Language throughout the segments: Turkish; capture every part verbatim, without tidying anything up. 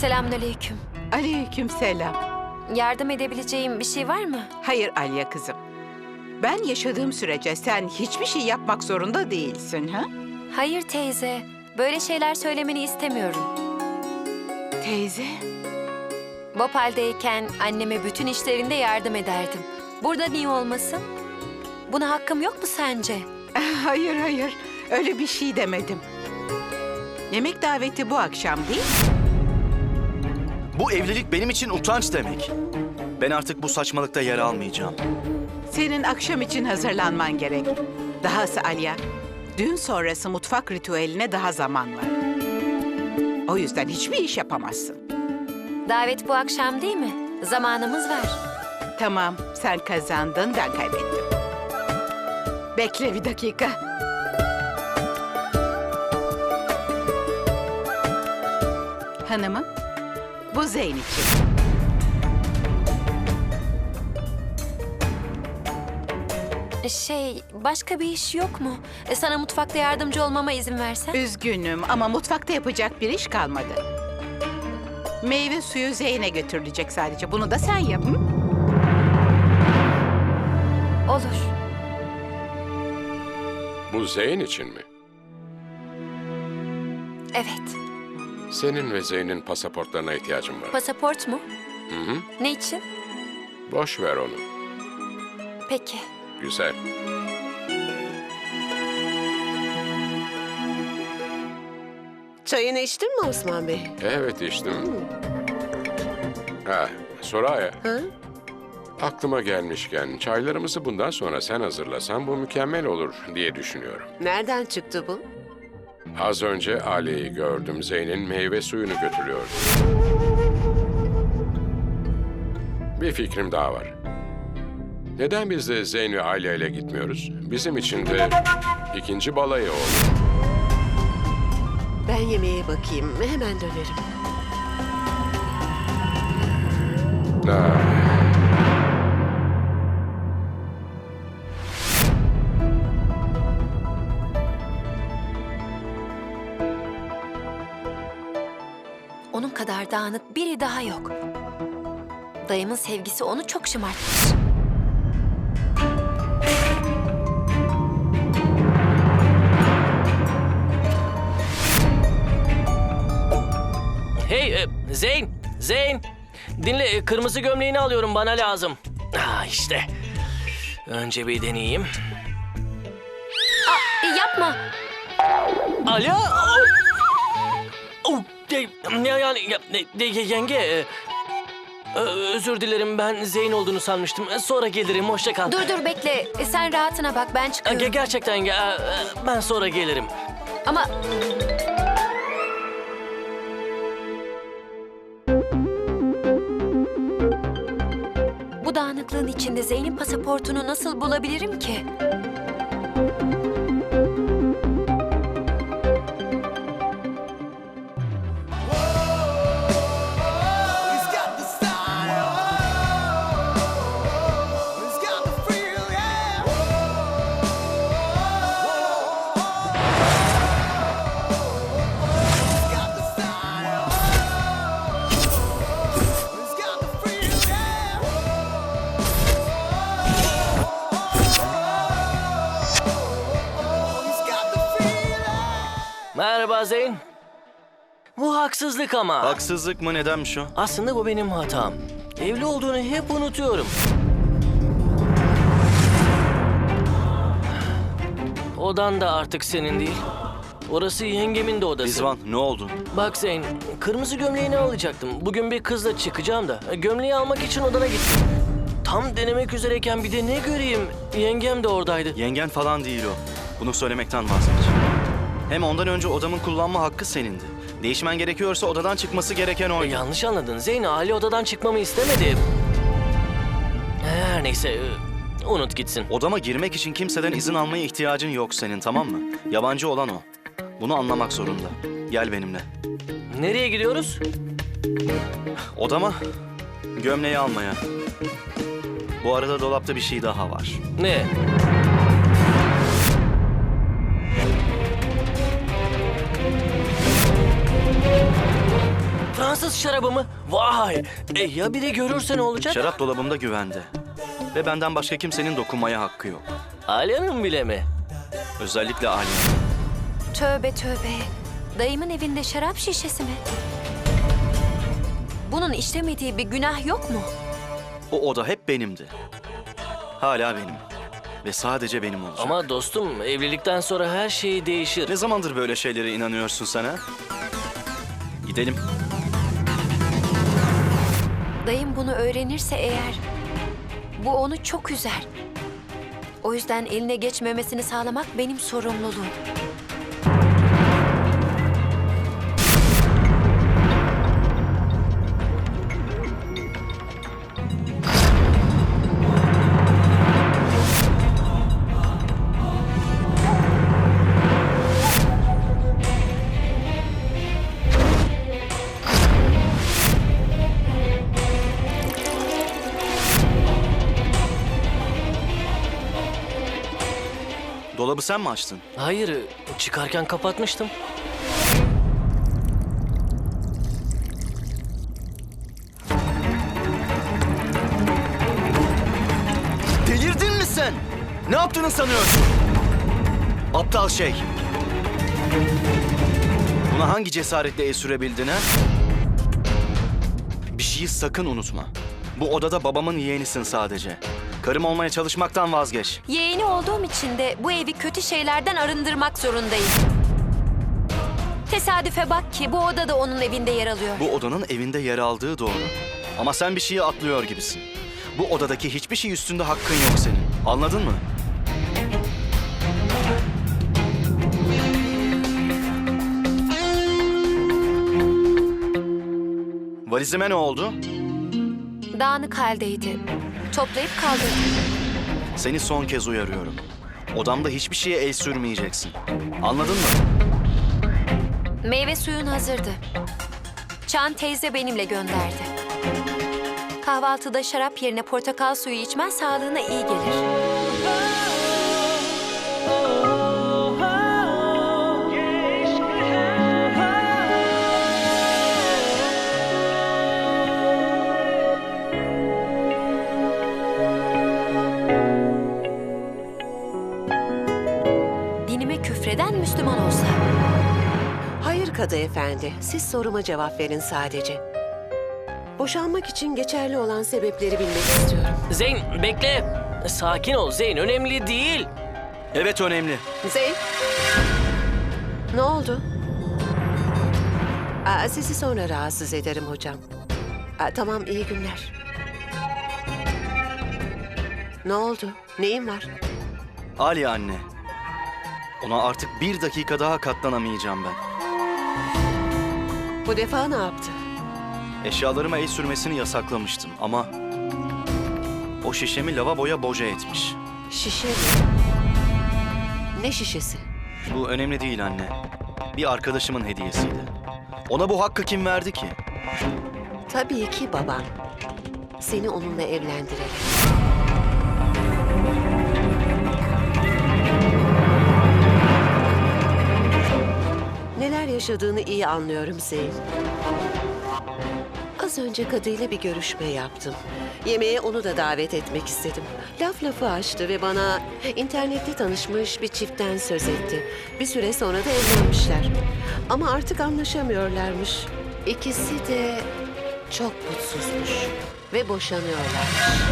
Selamünaleyküm. Aleykümselam. Yardım edebileceğim bir şey var mı? Hayır Alya kızım. Ben yaşadığım sürece sen hiçbir şey yapmak zorunda değilsin, ha? Hayır teyze. Böyle şeyler söylemeni istemiyorum. Teyze. Bhopal'deyken anneme bütün işlerinde yardım ederdim. Burada niye olmasın? Buna hakkım yok mu sence? Hayır hayır. Öyle bir şey demedim. Yemek daveti bu akşam değil. Bu evlilik benim için utanç demek. Ben artık bu saçmalıkta yer almayacağım. Senin akşam için hazırlanman gerek. Dahası Alya, düğün sonrası mutfak ritüeline daha zaman var. O yüzden hiçbir iş yapamazsın. Davet bu akşam değil mi? Zamanımız var. Tamam, sen kazandın, ben kaybettim. Bekle bir dakika. Hanımım, bu Zeyn için. Şey, başka bir iş yok mu? E, sana mutfakta yardımcı olmama izin versen? Üzgünüm ama mutfakta yapacak bir iş kalmadı. Meyve suyu Zeyn'e götürülecek sadece. Bunu da sen yap. Hı? Olur. Bu Zeyn için mi? Evet. Senin ve Zeyn'in pasaportlarına ihtiyacım var. Pasaport mu? Hı hı. Ne için? Boş ver onu. Peki. Güzel. Çayını içtin mi Osman Bey? Evet içtim. Ha, Soraya. Ha? Aklıma gelmişken çaylarımızı bundan sonra sen hazırlasan bu mükemmel olur diye düşünüyorum. Nereden çıktı bu? Az önce Ali'yi gördüm. Zeyn'in meyve suyunu götürüyordu. Bir fikrim daha var. Neden biz de Zeyn ve Aliye ile gitmiyoruz? Bizim için de ikinci balayı olur. Ben yemeğe bakayım. Hemen dönerim. Ha. Onun kadar dağınık biri daha yok. Dayımın sevgisi onu çok şımartmış. Hey e, Zeyn, Zeyn. Dinle, e, kırmızı gömleğini alıyorum, bana lazım. Ah işte. Önce bir deneyeyim. E, yapma. Alo. Oh, de, ya, yani ya, de, de, yenge. e, ö- özür dilerim, ben Zeyn olduğunu sanmıştım. E, Sonra gelirim, hoşça kal. Dur dur bekle. E, sen rahatına bak, ben E, çıkıyorum. ge- gerçekten ya, e, ben sonra gelirim. Ama... Bu dağınıklığın içinde Zeyn'in pasaportunu nasıl bulabilirim ki? He's got the style. He's got the feel, yeah. He's got the style. He's got the feel, yeah. He's got the feel. Merhaba Zeyn. Bu haksızlık ama. Haksızlık mı, nedenmiş o? Aslında bu benim hatam. Evli olduğunu hep unutuyorum. Odan da artık senin değil. Orası yengemin de odası. Rizvan, ne oldu? Bak Zeyn, kırmızı gömleğini alacaktım. Bugün bir kızla çıkacağım da. Gömleği almak için odana gittim. Tam denemek üzereyken bir de ne göreyim? Yengem de oradaydı. Yengen falan değil o. Bunu söylemekten vazgeç. Hem ondan önce odamın kullanma hakkı senindi. Değişmen gerekiyorsa odadan çıkması gereken E, oydu. yanlış anladın. Zeyn, Ali odadan çıkmamı istemedi. Her neyse, e, unut gitsin. Odama girmek için kimseden izin almaya ihtiyacın yok senin, tamam mı? Yabancı olan o. Bunu anlamak zorunda. Gel benimle. Nereye gidiyoruz? Odama gömleği almaya. Bu arada dolapta bir şey daha var. Ne? Gazoz şarabımı. Vay. E, ya biri görürse ne olacak? Şarap dolabımda güvende. Ve benden başka kimsenin dokunmaya hakkı yok. Alya'nın bile mi? Özellikle Ali'nin. Tövbe tövbe. Dayımın evinde şarap şişesi mi? Bunun işlemediği bir günah yok mu? O oda hep benimdi. Hala benim. Ve sadece benim olacak. Ama dostum, evlilikten sonra her şey değişir. Ne zamandır böyle şeylere inanıyorsun sen ha? Gidelim. Dayım bunu öğrenirse eğer, bu onu çok üzer. O yüzden eline geçmemesini sağlamak benim sorumluluğum. Dolabı sen mi açtın? Hayır, çıkarken kapatmıştım. Delirdin mi sen? Ne yaptığını sanıyorsun? Aptal şey. Buna hangi cesaretle el sürebildin ha? Bir şeyi sakın unutma. Bu odada babamın yeğenisin sadece. Karım olmaya çalışmaktan vazgeç. Yeğeni olduğum için de bu evi kötü şeylerden arındırmak zorundayım. Tesadüfe bak ki bu oda da onun evinde yer alıyor. Bu odanın evinde yer aldığı doğru. Ama sen bir şeyi atlıyor gibisin. Bu odadaki hiçbir şey üstünde hakkın yok senin. Anladın mı? Valizime ne oldu? Dağınık haldeydi. Toplayıp kaldırdım. Seni son kez uyarıyorum. Odamda hiçbir şeye el sürmeyeceksin. Anladın mı? Meyve suyun hazırdı. Çan teyze benimle gönderdi. Kahvaltıda şarap yerine portakal suyu içmen sağlığına iyi gelir. Dinime küfreden Müslüman olsa. Hayır Kadı Efendi, siz soruma cevap verin sadece. Boşanmak için geçerli olan sebepleri bilmek istiyorum. Zeyn, bekle. Sakin ol Zeyn, önemli değil. Evet, önemli. Zeyn. Ne oldu? Aa, sizi sonra rahatsız ederim hocam. Aa, tamam, iyi günler. Ne oldu? Neyin var? Ali anne. Ona artık bir dakika daha katlanamayacağım ben. Bu defa ne yaptı? Eşyalarıma el sürmesini yasaklamıştım ama... o şişemi lavaboya boca etmiş. Şişe mi? Ne şişesi? Bu önemli değil anne. Bir arkadaşımın hediyesiydi. Ona bu hakkı kim verdi ki? Tabii ki baban. Seni onunla evlendirerek. Neler yaşadığını iyi anlıyorum Zeyn. Az önce kadıyla bir görüşme yaptım. Yemeğe onu da davet etmek istedim. Laf lafı açtı ve bana internette tanışmış bir çiftten söz etti. Bir süre sonra da evlenmişler. Ama artık anlaşamıyorlarmış. İkisi de çok mutsuzmuş ve boşanıyorlarmış.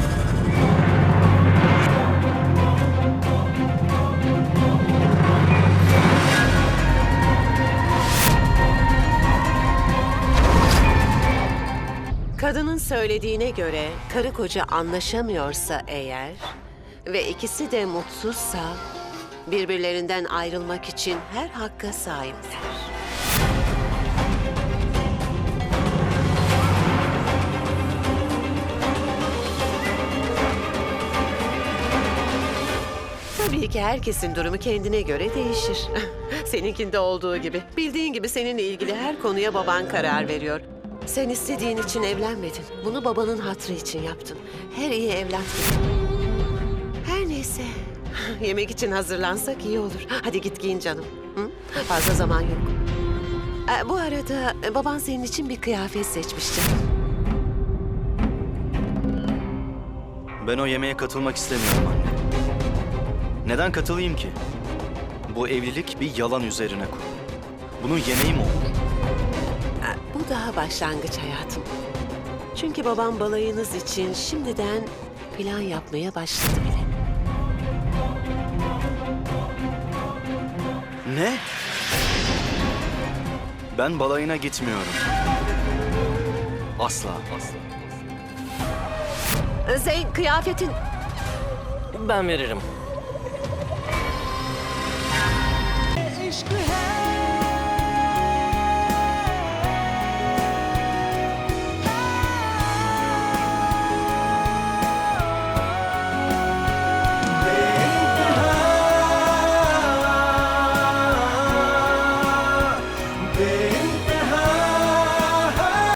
Kadının söylediğine göre karı koca anlaşamıyorsa eğer ve ikisi de mutsuzsa birbirlerinden ayrılmak için her hakka sahipler. Tabii ki herkesin durumu kendine göre değişir. Seninkinde olduğu gibi. Bildiğin gibi seninle ilgili her konuya baban karar veriyor. Sen istediğin için evlenmedin. Bunu babanın hatrı için yaptın. Her iyi evlat gibi. Her neyse. Yemek için hazırlansak iyi olur. Hadi git giyin canım. Hı? Fazla zaman yok. Ee, Bu arada e, baban senin için bir kıyafet seçmişti. Ben o yemeğe katılmak istemiyorum anne. Neden katılayım ki? Bu evlilik bir yalan üzerine kurulu. Bunun yemeği mi olur? Ee, Bu daha başlangıç hayatım. Çünkü babam balayınız için şimdiden plan yapmaya başladı bile. Ne? Ben balayına gitmiyorum. Asla, asla. Ee, Zeyn, kıyafetin... Ben veririm. इश्क है